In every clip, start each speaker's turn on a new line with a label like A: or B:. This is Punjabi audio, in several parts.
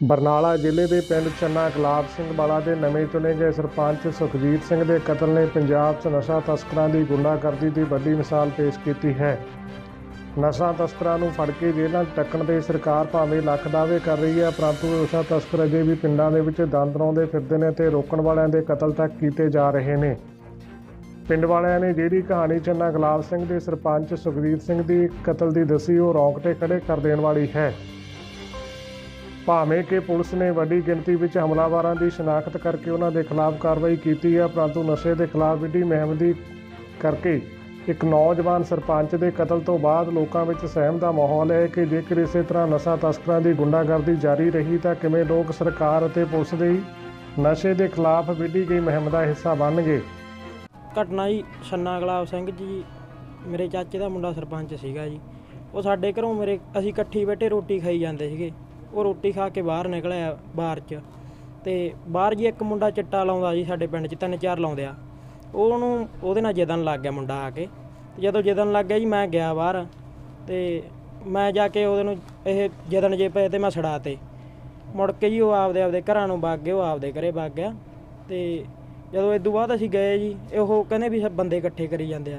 A: ਬਰਨਾਲਾ ਜ਼ਿਲ੍ਹੇ ਦੇ ਪਿੰਡ ਚੰਨਾ ਗੁਲਾਬ ਸਿੰਘ ਵਾਲਾ ਦੇ ਨਵੇਂ ਚੁਣੇ ਗਏ ਸਰਪੰਚ ਸੁਖਜੀਤ ਸਿੰਘ ਦੇ ਕਤਲ ਨੇ ਪੰਜਾਬ 'ਚ ਨਸ਼ਾ ਤਸਕਰਾਂ ਦੀ ਗੁੰਡਾਗਰਦੀ ਦੀ ਵੱਡੀ ਮਿਸਾਲ ਪੇਸ਼ ਕੀਤੀ ਹੈ। ਨਸ਼ਾ ਤਸਕਰਾਂ ਨੂੰ ਫੜ ਕੇ ਜੇਲ੍ਹਾਂ 'ਚ ਟੱਕਣ ਦੇ ਸਰਕਾਰ ਭਾਵੇਂ ਲੱਖ ਦਾਅਵੇ ਕਰ ਰਹੀ ਹੈ, ਪਰੰਤੂ ਨਸ਼ਾ ਤਸਕਰ ਅਜੇ ਵੀ ਪਿੰਡਾਂ ਦੇ ਵਿੱਚ ਦੰਦ ਰੋਂਦੇ ਫਿਰਦੇ ਨੇ ਤੇ ਰੋਕਣ ਵਾਲਿਆਂ ਦੇ ਕਤਲ ਤੱਕ ਕੀਤੇ ਜਾ ਰਹੇ ਨੇ। ਪਿੰਡ ਵਾਲਿਆਂ ਨੇ ਜਿਹੜੀ ਕਹਾਣੀ ਚੰਨਾ ਗੁਲਾਬ ਸਿੰਘ ਦੇ ਸਰਪੰਚ ਸੁਖਜੀਤ ਸਿੰਘ ਦੀ ਕਤਲ ਦੀ ਦੱਸੀ, ਉਹ ਰੌਂਗਟੇ ਖੜੇ ਕਰ ਦੇਣ ਵਾਲੀ ਹੈ। ਭਾਵੇਂ ਕਿ ਪੁਲਿਸ ਨੇ ਵੱਡੀ ਗਿਣਤੀ ਵਿੱਚ ਹਮਲਾਵਰਾਂ ਦੀ ਸ਼ਨਾਖਤ ਕਰਕੇ ਉਹਨਾਂ ਦੇ ਖਿਲਾਫ ਕਾਰਵਾਈ ਕੀਤੀ ਹੈ, ਪਰੰਤੂ ਨਸ਼ੇ ਦੇ ਖਿਲਾਫ ਵਿੱਢੀ ਮੁਹਿੰਮ ਦੀ ਕਰਕੇ ਇੱਕ ਨੌਜਵਾਨ ਸਰਪੰਚ ਦੇ ਕਤਲ ਤੋਂ ਬਾਅਦ ਲੋਕਾਂ ਵਿੱਚ ਸਹਿਮ ਦਾ ਮਾਹੌਲ ਹੈ ਕਿ ਜੇਕਰ ਇਸੇ ਤਰ੍ਹਾਂ ਨਸ਼ਾ ਤਸਕਰਾਂ ਦੀ ਗੁੰਡਾਗਰਦੀ ਜਾਰੀ ਰਹੀ ਤਾਂ ਕਿਵੇਂ ਲੋਕ ਸਰਕਾਰ ਅਤੇ ਪੁਲਿਸ ਦੇ ਨਸ਼ੇ ਦੇ ਖਿਲਾਫ ਵਿੱਢੀ ਗਈ ਮੁਹਿੰਮ ਦਾ ਹਿੱਸਾ ਬਣਨਗੇ।
B: ਘਟਨਾ ਜੀ ਚੰਨਾ ਗੁਲਾਬ ਸਿੰਘ ਜੀ ਮੇਰੇ ਚਾਚੇ ਦਾ ਮੁੰਡਾ ਸਰਪੰਚ ਸੀਗਾ ਜੀ। ਉਹ ਸਾਡੇ ਘਰੋਂ ਅਸੀਂ ਇਕੱਠੀ ਬੈਠੇ ਰੋਟੀ ਖਾਈ ਜਾਂਦੇ ਸੀਗੇ। ਉਹ ਰੋਟੀ ਖਾ ਕੇ ਬਾਹਰ ਨਿਕਲਿਆ ਬਾਹਰ 'ਚ, ਅਤੇ ਬਾਹਰ ਜੀ ਇੱਕ ਮੁੰਡਾ ਚਿੱਟਾ ਲਾਉਂਦਾ ਜੀ, ਸਾਡੇ ਪਿੰਡ 'ਚ 3-4 ਲਾਉਂਦੇ ਆ। ਉਹਦੇ ਨਾਲ ਜਿੱਦਣ ਲੱਗ ਗਿਆ ਮੁੰਡਾ ਆ ਕੇ, ਅਤੇ ਜਦੋਂ ਜਿੱਦਣ ਲੱਗ ਗਿਆ ਜੀ ਮੈਂ ਗਿਆ ਬਾਹਰ, ਅਤੇ ਮੈਂ ਜਾ ਕੇ ਉਹਦੇ ਨੂੰ ਇਹ ਜਿੱਦਣ ਜੇ ਪਏ ਅਤੇ ਮੈਂ ਛੁਡਾ ਤੇ। ਮੁੜ ਕੇ ਜੀ ਉਹ ਆਪਦੇ ਘਰਾਂ ਨੂੰ ਵਗ ਗਏ, ਉਹ ਆਪਦੇ ਘਰੇ ਵਗ ਗਿਆ। ਅਤੇ ਜਦੋਂ ਇਸ ਤੋਂ ਬਾਅਦ ਅਸੀਂ ਗਏ ਜੀ, ਉਹ ਕਹਿੰਦੇ ਵੀ ਬੰਦੇ ਇਕੱਠੇ ਕਰੀ ਜਾਂਦੇ ਆ।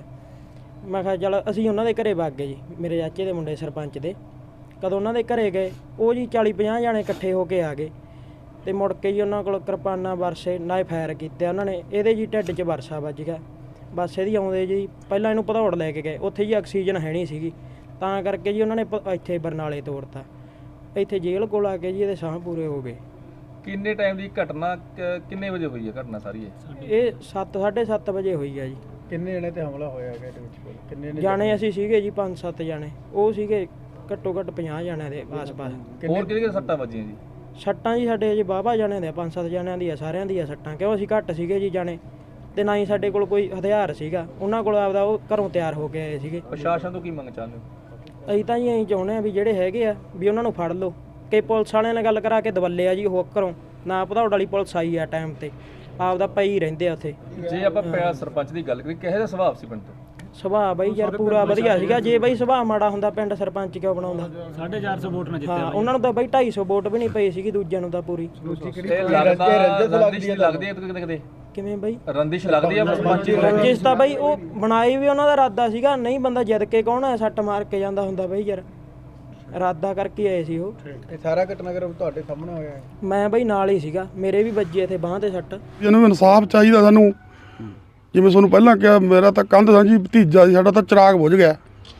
B: ਮੈਂ ਕਿਹਾ ਚੱਲ ਅਸੀਂ ਉਹਨਾਂ ਦੇ ਘਰੇ ਵਗ ਗਏ ਜੀ, ਮੇਰੇ ਚਾਚੇ ਦੇ ਮੁੰਡੇ ਸਰਪੰਚ ਦੇ। ਕਦੋਂ ਉਹਨਾਂ ਦੇ ਘਰੇ ਗਏ, ਉਹ ਜੀ 40-50 ਜਾਣੇ ਇਕੱਠੇ ਹੋ ਕੇ ਆ ਗਏ, ਅਤੇ ਮੁੜ ਕੇ ਜੀ ਉਹਨਾਂ ਕੋਲ ਕਿਰਪਾਨਾਂ ਵਰਸੇ ਨਾਲੇ ਫਾਇਰ ਕੀਤੇ ਉਹਨਾਂ ਨੇ। ਇਹਦੇ ਜੀ ਢਿੱਡ 'ਚ ਵਰਸਾ ਵੱਜ ਗਿਆ। ਬਸ ਇਹਦੀ ਆਉਂਦੇ ਜੀ ਪਹਿਲਾਂ ਇਹਨੂੰ ਭਦੌੜ ਲੈ ਕੇ ਗਏ, ਉੱਥੇ ਜੀ ਆਕਸੀਜਨ ਹੈ ਨਹੀਂ ਸੀਗੀ, ਤਾਂ ਕਰਕੇ ਜੀ ਉਹਨਾਂ ਨੇ ਇੱਥੇ ਬਰਨਾਲੇ ਤੋਰਤਾ। ਇੱਥੇ ਜੇਲ੍ਹ ਕੋਲ ਆ ਕੇ ਜੀ ਇਹਦੇ ਸਾਹ ਪੂਰੇ ਹੋ ਗਏ।
C: ਕਿੰਨੇ ਟਾਈਮ ਦੀ ਘਟਨਾ, ਕਿੰਨੇ ਵਜੇ ਹੋਈ ਹੈ ਘਟਨਾ ਸਾਰੀ
B: ਇਹ 7-7:30 ਵਜੇ ਹੋਈ ਆ ਜੀ।
D: ਕਿੰਨੇ ਜਣੇ ਤੇ ਹਮਲਾ ਹੋਇਆ ਇਹਦੇ ਵਿੱਚ? ਕਿੰਨੇ
B: ਜਾਣੇ ਅਸੀਂ ਸੀਗੇ ਜੀ 5-7 ਜਾਣੇ, ਉਹ ਸੀਗੇ ਘੱਟੋ ਘੱਟ 50 ਜਾਣਿਆਂ ਦੇ ਆਸ-ਪਾਸ।
C: ਹੋਰ ਕਿਹਦੇ ਸੱਟਾਂ ਵੱਜੀਆਂ ਜੀ?
B: ਸੱਟਾਂ ਜੀ ਸਾਡੇ ਜੀ ਵਾਹਵਾ ਜਾਣਿਆਂ ਦੇ 5-7 ਜਾਣਿਆਂ ਦੀਆਂ ਸਾਰਿਆਂ ਦੀਆਂ ਸੱਟਾਂ, ਕਿਉਂ ਅਸੀਂ ਘੱਟ ਸੀਗੇ ਜੀ ਜਾਣੇ, ਅਤੇ ਨਾ ਹੀ ਸਾਡੇ ਕੋਲ ਕੋਈ ਹਥਿਆਰ ਸੀਗਾ। ਉਹਨਾਂ ਕੋਲ ਆਪਦਾ ਉਹ ਘਰੋਂ ਤਿਆਰ ਹੋ ਕੇ ਆਏ ਸੀਗੇ।
C: ਪ੍ਰਸ਼ਾਸਨ ਤੋਂ ਕੀ ਮੰਗ ਚਾਹੁੰਦੇ ਹੋ?
B: ਅਸੀਂ ਤਾਂ ਜੀ ਅਸੀਂ ਚਾਹੁੰਦੇ ਹਾਂ ਵੀ ਜਿਹੜੇ ਹੈਗੇ ਆ ਵੀ ਉਹਨਾਂ ਨੂੰ ਫੜ ਲਓ, ਕਿ ਪੁਲਿਸ ਵਾਲਿਆਂ ਨਾਲ ਗੱਲ ਕਰਾ ਕੇ ਦਵੱਲੇ ਆ ਜੀ ਉਹ ਘਰੋਂ, ਨਾ ਭਦੌੜ ਵਾਲੀ ਪੁਲਿਸ ਆਈ ਆ ਟਾਈਮ 'ਤੇ, ਆਪਦਾ ਪਈ ਰਹਿੰਦੇ ਆ ਉੱਥੇ।
C: ਜੇ ਆਪਾਂ ਸਰਪੰਚ ਦੀ ਗੱਲ ਕਰੀਏ, ਕਿਹੋ ਜਿਹਾ ਸੁਭਾਅ ਸੀ ਪਿੰਡ ਤੋਂ?
B: ਸੁਭਾਅ ਬਈ ਯਾਰ ਪੂਰਾ ਵਧੀਆ ਸੀਗਾ। ਜੇ ਬਈ ਸੁਭਾਅ ਮਾੜਾ ਹੁੰਦਾ ਪਿੰਡ ਸਰਪੰਚ ਕਿਉਂ ਬਣਾਉਂਦਾ?
D: 450 ਵੋਟ ਨਾਲ ਜਿੱਤਿਆ।
B: ਹਾਂ, ਉਹਨਾਂ ਨੂੰ ਤਾਂ ਬਈ 250 ਵੋਟ ਵੀ ਨਹੀਂ ਪਈ ਸੀਗੀ, ਦੂਜਿਆਂ ਨੂੰ ਤਾਂ ਪੂਰੀ।
C: ਰੰਦਿਸ਼ ਲੱਗਦੀ ਹੈ ਕਿਤੇ
B: ਕਿਵੇਂ ਬਈ
C: ਰੰਦਿਸ਼ ਲੱਗਦੀ ਹੈ ਸਰਪੰਚ ਦੀ?
B: ਰੰਜਿਸ਼ ਤਾਂ ਬਈ ਉਹ ਬਣਾਈ ਵੀ ਉਹਨਾਂ ਦਾ ਇਰਾਦਾ ਸੀਗਾ, ਨਹੀਂ ਬੰਦਾ ਜਿੱਦ ਕੇ ਕੌਣ ਹੈ ਸੱਟ ਮਾਰ ਕੇ ਜਾਂਦਾ ਹੁੰਦਾ ਬਈ ਯਾਰ, ਇਰਾਦਾ ਕਰਕੇ ਆਏ ਸੀ ਉਹ।
D: ਇਹ ਸਾਰਾ ਘਟਨਾਕ੍ਰਮ ਤੁਹਾਡੇ ਸਾਹਮਣੇ ਹੋਇਆ ਹੈ?
B: ਮੈਂ ਬਈ ਨਾਲ ਹੀ ਸੀਗਾ, ਮੇਰੇ ਵੀ ਵੱਜੀ ਇੱਥੇ ਬਾਂਹ ਤੇ ਸੱਟ।
E: ਇਹਨੂੰ ਇਨਸਾਫ ਚਾਹੀਦਾ ਸਾਨੂੰ। ਜਿਵੇਂ ਤੁਹਾਨੂੰ ਪਹਿਲਾਂ ਕਿਹਾ, ਮੇਰਾ ਤਾਂ ਕੰਧ ਸਾਂਝੀ ਭਤੀਜਾ ਸੀ, ਸਾਡਾ ਤਾਂ ਚਿਰਾਗ ਬੁਝ ਗਿਆ।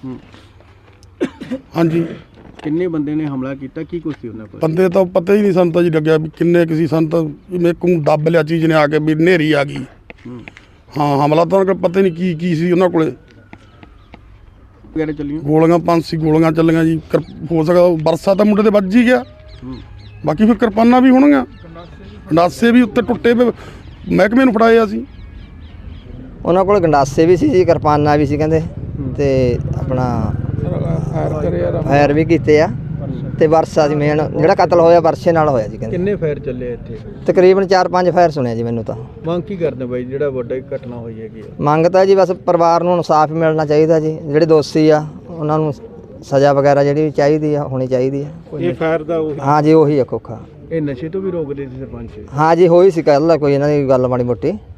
E: ਹਾਂਜੀ।
D: ਕਿੰਨੇ ਬੰਦੇ ਨੇ ਹਮਲਾ ਕੀਤਾ, ਕੀ ਕੁਛ ਸੀ ਉਹਨਾਂ ਕੋਲ?
E: ਬੰਦੇ ਤਾਂ ਪਤਾ ਹੀ ਨਹੀਂ ਸਾਨੂੰ ਤਾਂ ਜੀ ਲੱਗਿਆ ਵੀ ਕਿੰਨੇ ਕਿਸੇ ਸਾਨੂੰ ਤਾਂ ਮੇਰੇ ਕੋਲ ਦੱਬ ਲਿਆ ਚੀਜ਼ ਨੇ ਆ ਕੇ ਵੀ ਹਨੇਰੀ ਆ ਗਈ। ਹਾਂ, ਹਮਲਾ ਤਾਂ ਉਹਨਾਂ ਕੋਲ ਪਤਾ ਨਹੀਂ ਕੀ ਸੀ ਉਹਨਾਂ ਕੋਲੇ।
D: ਵਗੈਰਾ ਚੱਲੀਆਂ
E: ਗੋਲੀਆਂ 5 ਗੋਲੀਆਂ ਚੱਲੀਆਂ ਜੀ। ਹੋ ਸਕਦਾ ਬਰਸਾ ਤਾਂ ਮੁੰਡੇ ਦੇ ਵੱਜ ਹੀ ਗਿਆ। ਬਾਕੀ ਫਿਰ ਕਿਰਪਾਨਾਂ ਵੀ ਹੋਣਗੀਆਂ, ਗੰਡਾਸੇ ਵੀ ਉੱਤੇ ਟੁੱਟੇ ਪਏ, ਮਹਿਕਮੇ ਨੂੰ ਫੜਾਏ ਅਸੀਂ।
F: ਉਹਨਾਂ ਕੋਲ ਗੰਡਾਸੇ ਵੀ ਸੀ ਜੀ, ਕਿਰਪਾਨਾਂ ਵੀ ਸੀ ਕਹਿੰਦੇ, ਤੇ ਆਪਣਾ ਫਾਇਰ ਵੀ ਕੀਤੇ ਆ, ਤੇ ਵਰਸਾ ਸੀ ਮੇਨ ਜਿਹੜਾ ਕਤਲ ਹੋਇਆ, ਵਰਸੇ ਨਾਲ ਹੋਇਆ ਜੀ ਕਹਿੰਦੇ।
D: ਕਿੰਨੇ ਫਾਇਰ ਚੱਲੇ ਇੱਥੇ?
F: ਤਕਰੀਬਨ 4-5 ਫਾਇਰ ਸੁਣਿਆ ਜੀ ਮੈਨੂੰ ਤਾਂ।
D: ਮੰਗ ਕੀ ਕਰਦੇ ਬਾਈ, ਜਿਹੜਾ ਵੱਡਾ ਘਟਨਾ ਹੋਈ ਹੈਗੀ?
F: ਮੰਗ ਤਾਂ ਜੀ ਬਸ ਪਰਿਵਾਰ ਨੂੰ ਇਨਸਾਫ ਮਿਲਣਾ ਚਾਹੀਦਾ ਜੀ, ਜਿਹੜੇ ਦੋਸ਼ੀ ਆ ਉਹਨਾਂ ਨੂੰ ਸਜ਼ਾ ਵਗੈਰਾ ਜਿਹੜੀ ਚਾਹੀਦੀ ਆ ਹੋਣੀ ਚਾਹੀਦੀ ਆ।
D: ਇਹ ਫਾਇਰ ਦਾ
F: ਹਾਂ ਜੀ, ਉਹੀ ਆ ਖੋਖਾ।
D: ਇਹ ਨਸ਼ੇ ਤੋਂ ਵੀ ਰੋਕਦੇ ਸੀ ਸਰਪੰਚ?
F: ਹਾਂ ਜੀ, ਹੋਈ ਸੀ ਕੱਲ੍ਹ ਕੋਈ ਇਹਨਾਂ ਦੀ ਗੱਲ ਮਾੜੀ ਮੋਟੀ।